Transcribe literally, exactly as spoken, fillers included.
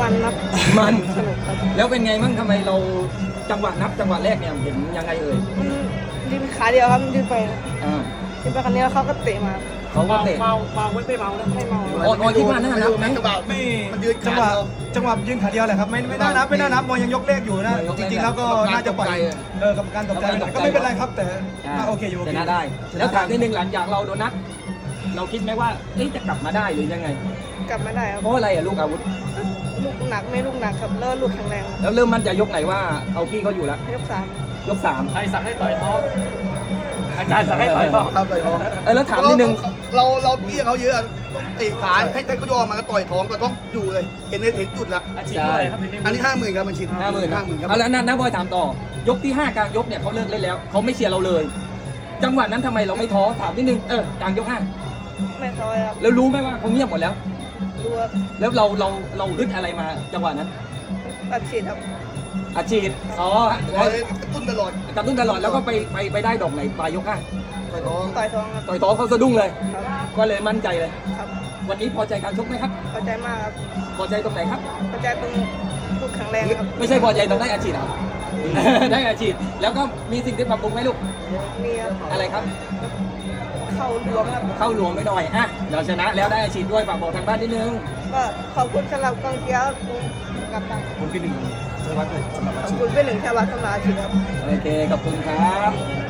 มันครับมันสนุกครับแล้วเป็นไงมั่งทำไมเราจังหวะนับจังหวะแรกเนี่ยเห็นยังไงเอ่ยมันยืนขาเดียวครับยืนไปอ่ายืนไปคันนี้แล้วเขาก็เตะมาเขาก็เตะเมาเมาไม่ไม่เมานะไม่เมาโอ้ยโอ้ยคิดว่าน่านับไหมจังหวะไม่มันยืนจังหวะจังหวะยืนขาเดียวแหละครับไม่ไม่น่านับไม่น่านับมองยังยกเลขอยู่นะจริงๆแล้วก็น่าจะปล่อยเออกรรมการตกใจไปหน่อยก็ไม่เป็นไรครับแต่น่าโอเคอยู่โอชเคนะได้ แล้วถามนิดนึงหลังจากเราโดนนับเราคิดไหมว่าเอ๊ะจะกลับมาได้หรือยังไงกลับไม่ได้ครับเพราะอะไรอะลูกอาวุธลูกหนักไม่ลูกหนักครับแล้วลูกแข็งแรงแล้วเริ่มมั่นใจยกไหนว่าเอาพี่เขาอยู่แล้วยกสามยกสามใครสั่งให้ต่อยท้องอาจารย์สั่งให้ต่อยท้องครับต่อยท้องเออแล้วถามนิดนึงเราเราเบี้ยเขาเยอะต้องเตะขาให้ให้เขายอมมาก็ต่อยท้องก็ต้องอยู่เลยเห็นเห็นจุดละอาชีพอะไรครับอันนี้ห้าหมื่นครับมันชินห้าหมื่นห้าหมื่นครับเอาแล้วนะนะบอยถามต่อยกที่ห้ากลางยกเนี่ยเขาเลิกเล่นแล้วเขาไม่เชียร์เราเลย จังหวะนั้นทำไมเราไม่ท้อถามนิดนึงเออกลางยกห้าไม่ซอยครับแล้วรู้ไหมว่าเขาเงียบหมดแล้วดูว่าแล้วเราเราเราฮึดอะไรมาจังหวะนั้นตัดฉีดครับอาชีพอ๋อร้อยกระตุ้นตลอดกระตุ้นตลอดแล้วก็ไปไปไปได้ดอกไหนปลายยกห้าต่อยท้องต่อยท้องครับต่อยท้องเขาสะดุ้งเลยครับก็เลยมั่นใจเลยครับวันนี้พอใจการชกไหมครับพอใจมากครับพอใจตรงไหนครับพอใจตรงลูกแข็งแรงครับไม่ใช่พอใจตรงได้อาชีพเหรอ ได้อาชีพแล้วก็มีสิ่งที่ปรับปรุงไหมลูกมีครับอะไรครับเข้ารวมครับเข้าหลวงไม่หน่อยอ่ะเราชนะแล้วได้อาชีพด้วยฝากบอกทางบ้านนิดนึงก็ขอบคุณสำหรับกองเชียร์กับตันผมพี่หนึ่งสวัสดีสำหรับขอบคุณเป็นหนึ่งชาวบ้านสำหรับอาชีพครับโอเคขอบคุณครับ